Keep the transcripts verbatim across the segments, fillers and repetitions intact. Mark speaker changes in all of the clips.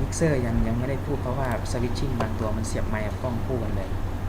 Speaker 1: กเซอร์ยังยังไม่ได้พูดเพราะว่าสวิตชิ่งบางตัวมันเสียบไมค์กับกล้องคู่กันเลย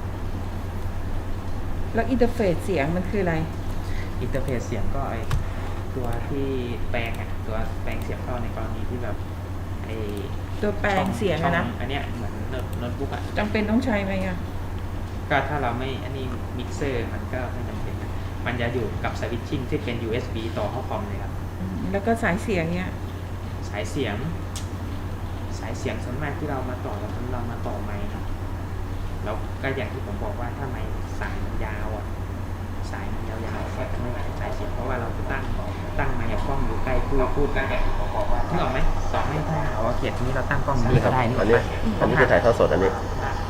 Speaker 2: แล้วอินเทอร์เฟซเสียงมันคืออะไร
Speaker 1: อินเทอร์เฟซเสียงก็ไอตัวที่แปลงอ่ะตัวแปลงเสียงเข้าในกรณีที่แบบไอ
Speaker 2: ตัวแปลงเสียงอะนะ
Speaker 1: อันเนี้ยเหมือนโน้ตบุ๊กอ่ะ
Speaker 2: จำเป็นต้องใช้ไหมอะ
Speaker 1: ก็ถ้าเราไม่อันนี้มิกเซอร์มันก็ไม่จำเป็นนะมันจะอยู่กับสวิตชิ่งที่เป็น ยู เอส บี ต่อเข้าคอมเลยครับ
Speaker 2: แล้วก็สายเสียงเนี้ย
Speaker 1: สายเสียงสายเสียงส่วนมากที่เรามาต่อเราเรามาต่อไมค์ครับแล้วก็อย่างที่ผมบอกว่าถ้าไมค์สายมันยาวอ่ะสายมันยาวๆก็จะไม่ใช้สายเสียงเพราะว่าเราตั้งตั้งไมค์กับกล้องอยู่ใกล้พูดพูดกันนึกออกไหมต่อไม่ได้เอาเขียนนี้เราตั้งกล้องนี้ก็ได้นี่
Speaker 3: อันนี้อันนี้คือถ่ายทอดสดอันนี้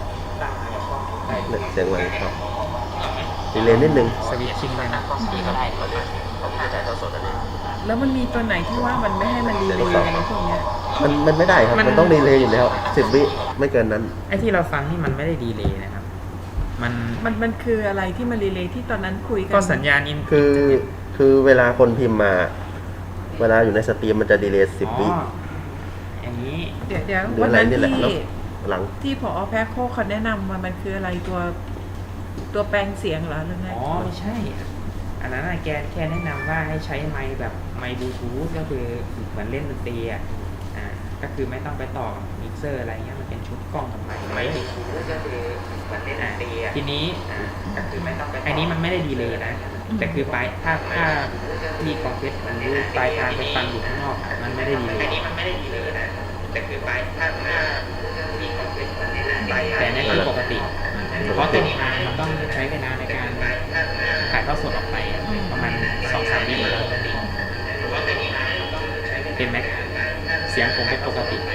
Speaker 3: เสียงมันครับดีเลย์นิดนึง
Speaker 1: สวิตชิ่งเลยนะนี่ก็ได้
Speaker 3: อันนี้อันนี้คือถ่ายทอดสดอันนี้
Speaker 2: แล้วมันมีตัวไหนที่ว่ามันไม่ให้มันดีเลย์อะไรพวกเนี้ย
Speaker 3: มันมันไม่ได้ครับมันต้องดีเลย์อยู่แล้วสิบวิไม่เกินนั้น
Speaker 1: ไอ้ที่เราฟังนี่มันไม่ได้ดีเลย์นะครับมัน
Speaker 2: มันมันคืออะไรที่มันดีเลย์ที่ตอนนั้นคุยกัน
Speaker 1: ก็สัญญาณอิน
Speaker 3: คือคือเวลาคนพิมพ์มาเวลาอยู่ในสตรีมมันจะดีเลย์สิบวิ
Speaker 1: อย่างนี้
Speaker 2: เดี๋ยวเดี๋ยววันนั้นที่
Speaker 3: หลัง
Speaker 2: ที่ผอ.แพ็คโคเขาแนะนำมามันคืออะไรตัวตัวแปลงเสียงเหรอหรือไง
Speaker 1: อ๋อไม่ใช่อันนั้นแกแค่แนะนำว่าให้ใช้ไมค์แบบไมค์บลูทูธก็คือเหมือนเล่นดนตรีอ่ะอ่าก็คือไม่ต้องไปต่อมิกเซอร์อะไรเงี้ยมันเป็นชุดกล้องกับไมค์ไมค์บลูทูธก็คือเหมือนเล่นดนตรีอ่ะทีนี้อ่าก็คือไม่ต้องไปอันนี้มันไม่ได้ดีเลยนะแต่คือปลายถ้าถ้ามีคอมเพรสหรือปลายทางไปฟังอยู่ข้างนอกมันไม่ได้ดีเลยอันนี้มันไม่ได้ดีเลยนะแต่คือปลายถ้าถ้ามีคอมเพรสแต่นี่คือปกติเพราะตัวนี้มันต้องใช้เวลาในการถ่ายทอดสดออกไปประมาณสองสามวินาทีเป็นไหมเสียงผมเป็นปกติ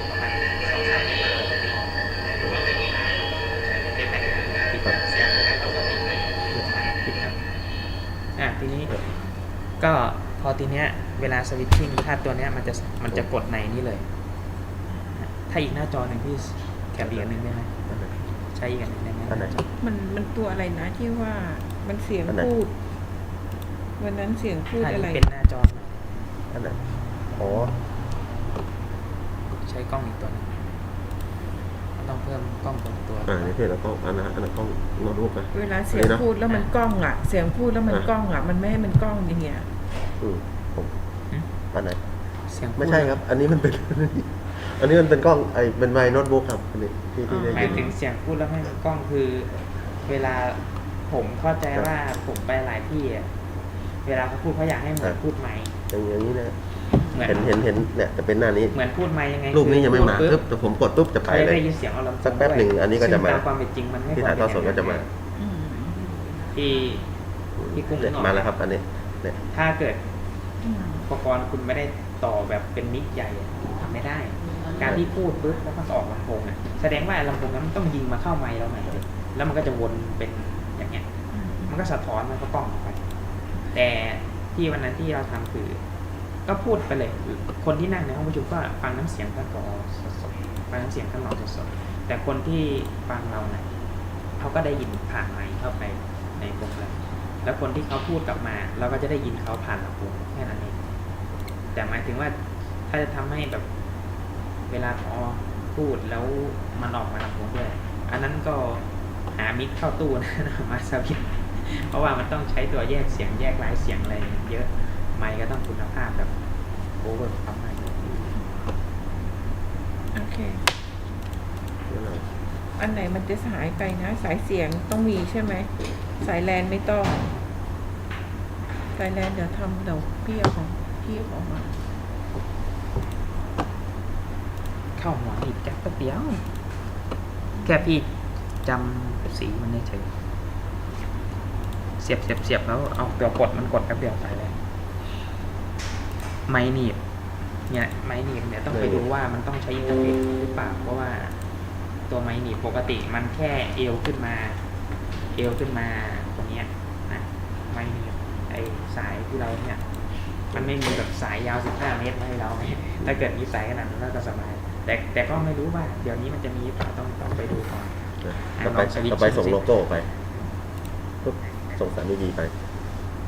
Speaker 1: อ่ะทีนี้ก็พอทีเนี้ยเวลาสวิตชิ่งถ้าตัวเนี้ยมันจะมันจะกดในนี้เลยถ้าอีกหน้าจอหนึ่งพี่แคปอีกอันหนึ่งได้ไหมใช้อีกอันหนึ่งได้ไหม
Speaker 2: มันมันตัวอะไรนะที่ว่ามันเสียงพูดวันนั้นเสียงพูดอะไร
Speaker 1: เป็นหน้าจอ
Speaker 3: อันไหนอ๋อ
Speaker 1: ใช้กล้องอีกตัวนึงต้องเพิ่มกล้องตัวตัว
Speaker 3: อ่านี่เพื่อนเรากล้องอันนั้นอันนั้นกล้องโน้ตบุ๊กไป
Speaker 2: เวลาเสียงพูดแล้วมันกล้องอ่ะเสียงพูดแล้วมันกล้องอ่ะมันไม่ให้มันกล้องอย่างเงี้ย
Speaker 3: อืมผมอันไหน
Speaker 1: เสียง
Speaker 3: ไม่ใช่ครับอันนี้มันเป็นอันนี้มันเป็นกล้องไอเป็นไมค์โน้ตบุ๊กครับอันนี้ที่ที่ได้
Speaker 1: ยินหมายถึงเสียงพูดแล้วไม่มีกล้องคือเวลาผมเข้าใจว่าผมไปหลายที่เวลาเขาพูดเขาอยากให้เหมือนพูดไมค์
Speaker 3: อย่างนี้นะเห็นเห็นเห็นเนี่ยจะเป็นหน้านี้
Speaker 1: เหมือนพูดไมค์ยังไง
Speaker 3: รูปนี้ยังไม่มาปุ๊บแต่ผมกดปุ๊บจะไปเลย
Speaker 1: ได้ยินเสียงเอาลำ
Speaker 3: สักแป๊บหนึ่งอันนี้ก็จะมา
Speaker 1: ความเป็นจริงมันไม่
Speaker 3: ที่ถ่ายทอดสดก็จะมา
Speaker 1: ที่ที่กุ้ง
Speaker 3: มาแล้วครับอันนี้เนี่ย
Speaker 1: ถ้าเกิดอุปกรณ์คุณไม่ได้ต่อแบบเป็นมิกใหญ่ทำไม่ได้การที่พูดปุ๊บแล้วมันออกลำโพงอ่ะแสดงว่าลำโพงนั้นต้องยิงมาเข้าไมค์เราใหม่เลยแล้วมันก็จะวนเป็นอย่างเงี้ยมันก็สะท้อนมันก็กล้องออกไปแต่ที่วันนั้นที่เราทำคือก็พูดไปเลยคนที่นั่งในห้องประชุมก็ฟังน้ำเสียงท่านผอ.สดๆฟังน้ำเสียงท่านรองสดๆแต่คนที่ฟังเราเนี่ยเขาก็ได้ยินผ่านไมค์เข้าไปในโปรแกรมแล้วคนที่เขาพูดกลับมาเราก็จะได้ยินเขาผ่านลำโพงแค่นั้นเองแต่หมายถึงว่าถ้าจะทำให้แบบเวลาพอพูดแล้วมันออกมาลำโพงด้วยอันนั้นก็หามิกเข้าตู้นะมาสวิตเพราะว่ามันต้องใช้ตัวแยกเสียงแยกลายเสียงอะไรเยอะไมค์ก็ต้องคุณภาพแบบโอเวอร์ปั๊มไมค์
Speaker 2: โอเคอันไหนมันจะหายไปนะสายเสียงต้องมีใช่ไหมสายแลนไม่ต้องสายแลนเดี๋ยวทำเดี๋ยวพี่เอาของพี่เอาของมา
Speaker 1: เข้าหัวอีกแค่เดียวแค่พี่จำสีมันได้เฉยเสียบเสียบเสียบแล้วเอาตัวกดมันกดแป๊บเดียวไปเลยไม้หนีบเนี่ยไม้หนีบเนี่ยต้องไปดูว่ามันต้องใช้อินเทอร์เฟซหรือเปล่าเพราะว่าตัวไม้หนีบปกติมันแค่เอวขึ้นมาเอวขึ้นมาตรงเนี้ยนะไม้หนีบไอสายที่เราเนี่ยมันไม่มีแบบสายยาวสิบห้าเมตรให้เราถ้าเกิดมีสายขนาดนั้นก็สบายแต่แต่ก็ไม่รู้ว่าเดี๋ยวนี้มันจะมีเปล่าต้องต้องไปดูก่อน
Speaker 3: ต่อไปต่อไปส่งโลโก้ไปปุ๊บส่งสารดีๆไป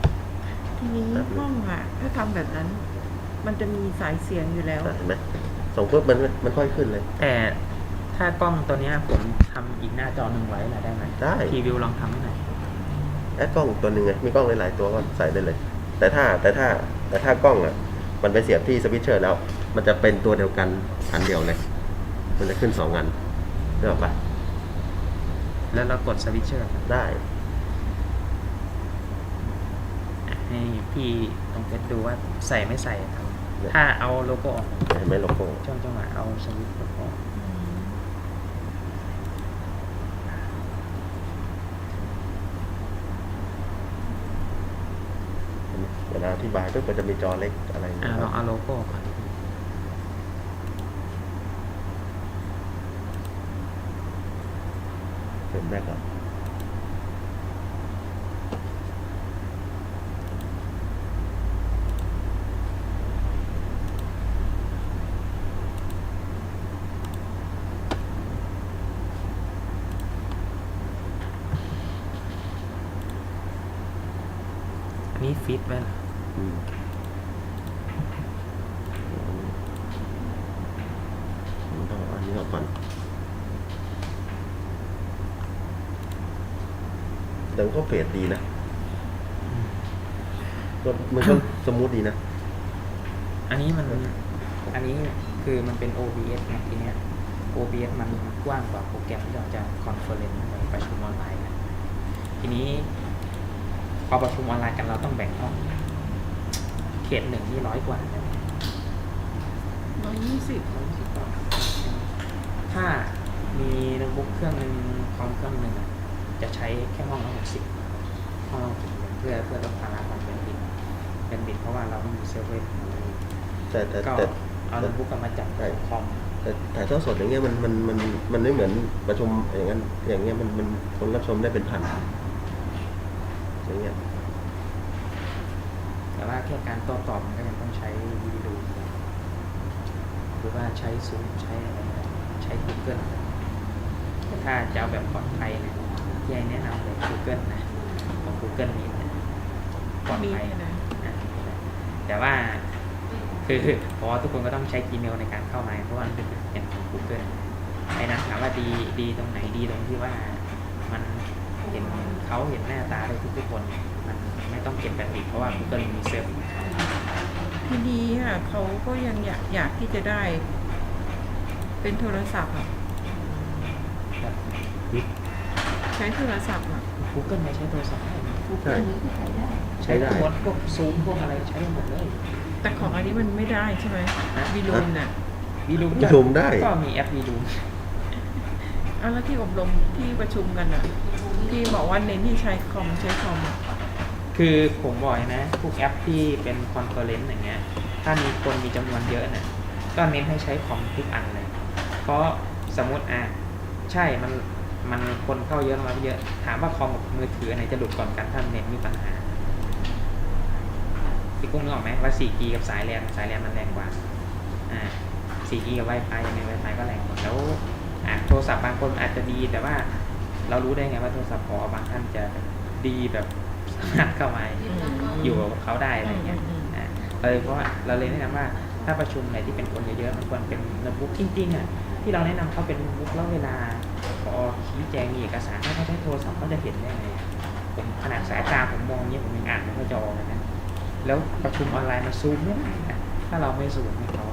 Speaker 2: ทีนี้ห้องอ่ะถ้าทำแบบนั้นมันจะมีสายเสียงอยู่แล้ว
Speaker 3: เห็นไหมส่งปุ๊บมันมันค่อยขึ้นเลย
Speaker 1: แต่ถ้ากล้องตัวเนี้ยผมทำอีกหน้าจอหนึ่งไว้นะได้ไหม
Speaker 3: ได้
Speaker 1: ทีวิวลองทำให้หน่อย
Speaker 3: แอดกล้องตัวหนึ่งไงมีกล้องหลายๆตัวก็ใส่ได้เลย แต่ถ้าแต่ถ้าแต่ถ้ากล้องอ่ะมันไปเสียบที่สวิตช์เชอร์แล้ว มันจะเป็นตัวเดียวกันอันเดียวเลย มันจะขึ้นสองอันได้ปะ
Speaker 1: แล้วเรากดสวิตช์เชอร์ครับ
Speaker 3: ได้
Speaker 1: ให้พี่ลองเทสดูว่าใส่ไม่ใส่ครับถ้าเอาโลโก้ออก
Speaker 3: เห็นไหมโลโก้
Speaker 1: ช่วงจังหวะเอาสวิตช์ออก
Speaker 3: เวลาอธิบายก็มันจะมีจอเล็กอะไรอย่าง
Speaker 1: อ่า
Speaker 3: เงี้ย
Speaker 1: ลองเอาโลโก้ก่อน
Speaker 3: เป็นแรกก่อน
Speaker 1: อันนี้ฟิตไว้เหรอ
Speaker 3: อืมมันต้องเอาอันนี้ออกก่อนแต่มันก็เฟดดีนะก็มันก็สมูทดีนะ
Speaker 1: อันนี้มันอันนี้คือมันเป็น โอ บี เอส นะทีเนี้ย โอ บี เอส มันกว้างกว่าโปรแกรมที่เราจะคอนเฟอเรนซ์ประชุมออนไลน์นะทีนี้พอประชุมออนไลน์กันเราต้องแบ่งห้องเขตหนึ่งนี่ร้อยกว่าใช่ไหม
Speaker 2: ร้อยยี่สิบ
Speaker 1: ถ้ามีโน้ตบุ๊กเครื่องหนึ่งคอมเครื่องหนึ่งอะจะใช้แค่ห้องละหกสิบห้องละหกสิบเพื่อเพื่อลดภาระของเป็นบิตเป็นบิตเพราะว่าเราไม่มีเซิร์ฟเวอร์
Speaker 3: แต่แต่
Speaker 1: ก็
Speaker 3: แต่
Speaker 1: เอาโน้ตบุ๊กกลับมาจับคอม
Speaker 3: แต่ถ่ายทอดสดอย่างเงี้ยมันมันมันมันไม่เหมือนประชุมอย่างนั้นอย่างเงี้ยมันมันคนรับชมได้เป็นพันอย่างเงี้ย
Speaker 1: แต่ว่าแค่การโต้ตอบมันก็ยังต้องใช้วิดีโอหรือว่าใช้ซูมใช้อะไรใช้ Google แต่ถ้าจะเอาแบบปลอดภัยเนี่ยที่ให้แนะนำเลย Google นะของ Google นี้นะปลอด
Speaker 2: มี
Speaker 1: ภัย
Speaker 2: นะ
Speaker 1: อ่ะแต่ว่าคือเพราะว่าทุกคนก็ต้องใช้ Gmail ในการเข้ามาเพราะว่ามันเป็นเป็นของ Google ไอ้นั้นถามว่าดีดีตรงไหนดีตรงที่ว่ามันเห็นเขาเห็นหน้าตาได้ทุกทุกๆคนมันไม่ต้องเก็บแบตบิตเพราะว่า Google มีเซิร์ฟ
Speaker 2: ทีดีค่ะเขาก็ยังอยากอยากที่จะได้ เป็นโทรศัพท์อ่ะ
Speaker 1: แบบ
Speaker 2: ใช้โทรศัพท์อ่ะ
Speaker 1: Google ไม่ใช้โทรศัพท์ได้นะ
Speaker 3: ใช่
Speaker 1: ใช้ได้หมดพวกซูมพวกอะไรใช้ได้หมดเลย
Speaker 2: แต่ของอันนี้มันไม่ได้ใช่ไหมวีลูนน่ะ
Speaker 1: วีลูม
Speaker 3: ประชุมได้
Speaker 1: ก็มีแอปวีลูม
Speaker 2: เอาแล้วที่อบรมที่ประชุมกันอ่ะที่บอกว่าเน้นที่ใช้คอมใช้คอมอ่ะ
Speaker 1: คือผมบอกนะพวกแอปที่เป็นคอนเฟอเรนซ์อย่างเงี้ยถ้ามีคนมีจำนวนเยอะเนี่ยก็เน้นให้ใช้คอมทุกอันเลย เพราะสมมติอ่ะใช่มันมันคนเข้าเยอะมาเยอะ ถามว่าคอมกับมือถืออันไหนจะหลุดก่อนกันถ้าเน็ตมีปัญหาพี่กุ้งนึกออกไหมว่า โฟร์จี กับสายแลนสายแลนมันแรงกว่าอ่า โฟร์จี กับ Wi-Fi ยังไง Wi-Fi ก็แรงกว่าแล้วอ่ะโทรศัพท์บางคนอาจจะดีแต่ว่าเรารู้ได้ไงว่าโทรศัพท์พอบางท่านจะดีแบบสามารถเข้ามาอยู่กับเขาได้อะไรเงี้ยอ่าเลยเพราะว่าเราเลยแนะนำว่าถ้าประชุมไหนที่เป็นคนเยอะๆมันควรเป็นโน้ตบุ๊กจริงๆอ่ะที่เราแนะนำเขาเป็นโน้ตบุ๊กแล้วเวลาพอชี้แจงมีเอกสารถ้าเขาใช้โทรศัพท์เขาจะเห็นได้ไงผมขนาดสายตาผมมองเนี้ยผมยังอ่านไม่ค่อยจะออกเลยนะแล้วประชุมออนไลน์มันซูมไม่ได้นะถ้าเราไม่ซูมให้เขา